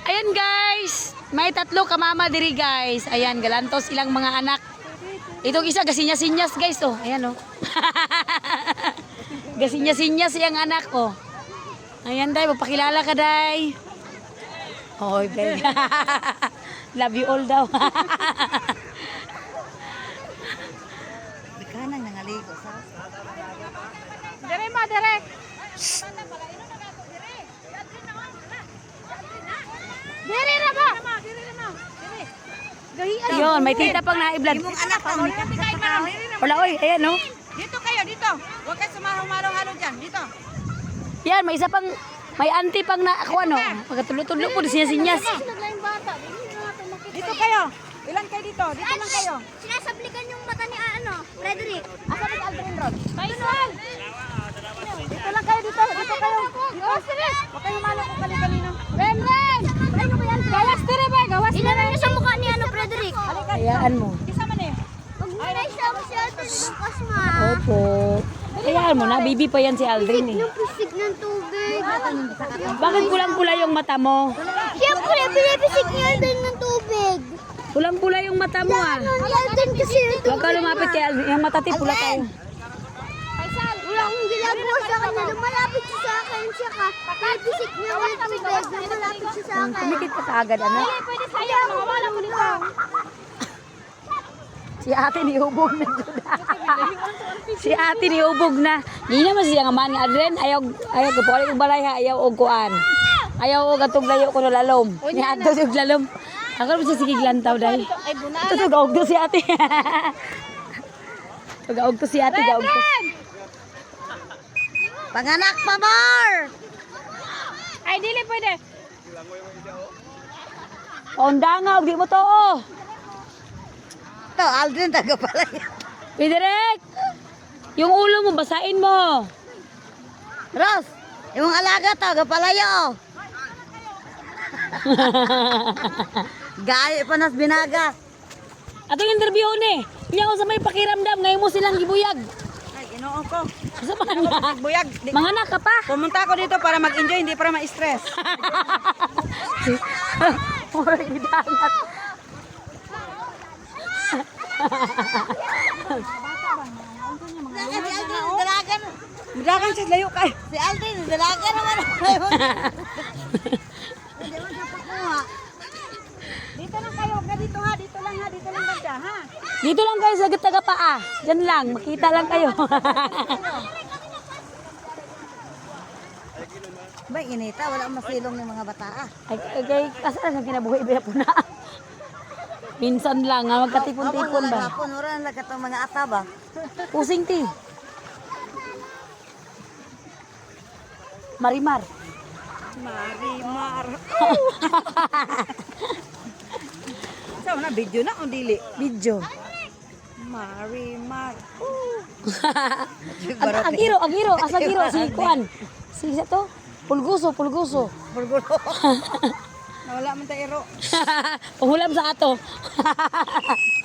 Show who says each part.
Speaker 1: Ayan guys, may 3 ka mama diri guys. Ayan, galantos ilang mga anak. Itong isa gasinya-sinyas guys oh. Ayan oh. Gasinya-sinyas yang anak oh. Ayan day, magpakilala ka day. Hoy, babe. Love you all daw.
Speaker 2: Kanang nangaligo sa.
Speaker 1: Dire ma, dire. Dire na ba? Ayun, may tita pang naiblad.
Speaker 2: Imong anak pa ni
Speaker 1: Wala oy, ayan oh.
Speaker 2: Dito kayo, dito. Huwag kayo sumarong-marong-halo dyan. Dito.
Speaker 1: Yan, may isa pang, may auntie pang na ako ano. Magkatulo-tulo po, sinyas-sinyas.
Speaker 2: Dito kayo. Ilan kayo dito? Dito lang kayo.
Speaker 3: Sinasablikan yung mata ni Frederick.
Speaker 2: Asa ni Aldrin Rod? Dito lang kayo dito. Dito kayo. Dito. Huwag kayo malo kung kali-kanino.
Speaker 3: Ren!
Speaker 2: Gawas dire ba? Gawas dire.
Speaker 3: Inanon niya sa mukha ni Frederick.
Speaker 1: Hayaan mo.
Speaker 2: Isa man eh.
Speaker 3: Huwag mo na siya masyadong bukas ma.
Speaker 1: Opo. Hayaan mo na, bibi pa yan si Aldrin eh.
Speaker 3: Yung pisig ng tubig.
Speaker 1: Bakit pulang-pula yung mata mo?
Speaker 3: Siyempre, pinapisig niya din ng tubig.
Speaker 1: Pulang-pula yung mata mo ah.
Speaker 3: Ano niya din kasi yung tubig.
Speaker 1: Huwag ka lumapit kay Aldrin. Yung mata pula kayo.
Speaker 3: Wala akong ginagawa sa kanya. Lumalapit siya sa akin. Siya ka. Pinapisig niya ng tubig. Lumalapit siya sa akin.
Speaker 1: Kumikit ka kaagad ano?
Speaker 3: Pwede sa'yo. Mawala ko nito.
Speaker 1: Si ate niubog na Juda. Si ate niubog na. Hindi naman siya nga man nga Aldrin. Ayaw ko po. Ayaw balay ha. Ayaw og kuan. Ayaw og atong layo ko no lalom. Ni ato sig lalom. Ako rin siya sige glantaw dahil. Ito to gaog to si ate. Gaog to si ate. Gaog to.
Speaker 2: Panganak pa more.
Speaker 1: Ay, dili pwede. Paundangaw, di mo to oh.
Speaker 2: Ito, Aldrin taga pala yan.
Speaker 1: Pidirek! Yung ulo mo, basain mo.
Speaker 2: Ros, yung alaga taga palayo. Gaya pa nas binaga.
Speaker 1: Atong interview ni. Niya ko sa may pakiramdam, ngayon mo silang gibuyag.
Speaker 2: Ay, inoon ko.
Speaker 1: Sa mga
Speaker 2: Buyag.
Speaker 1: mga anak ka pa.
Speaker 2: Pumunta ako dito para mag-enjoy, hindi para ma-stress.
Speaker 1: Mura gidangat.
Speaker 2: Si Aldrin, dalagan. Dalagan siya, layo kayo. Si Aldrin, dalagan naman. Hindi mo siya pakuha. Dito lang kayo, dito ha, dito lang ha, dito lang banda ha.
Speaker 1: Dito lang kayo sa taga paa. Diyan lang, makita lang kayo.
Speaker 2: Ba, inita, wala akong masilong ng mga bata ah.
Speaker 1: Ay, kasaan ang kinabuhi ba po na? Minsan lang, ha, magkatipon-tipon ba?
Speaker 2: Hapon, wala lang katong mga ata ba?
Speaker 1: Pusing ti. Marimar.
Speaker 2: Marimar. So, na video na o dili?
Speaker 1: Video.
Speaker 2: Marimar.
Speaker 1: Agiro, asagiro, si Kuan. Si isa to? Pulguso.
Speaker 2: Burgulo. Nawala man tayo iro.
Speaker 1: Pahulam sa ato.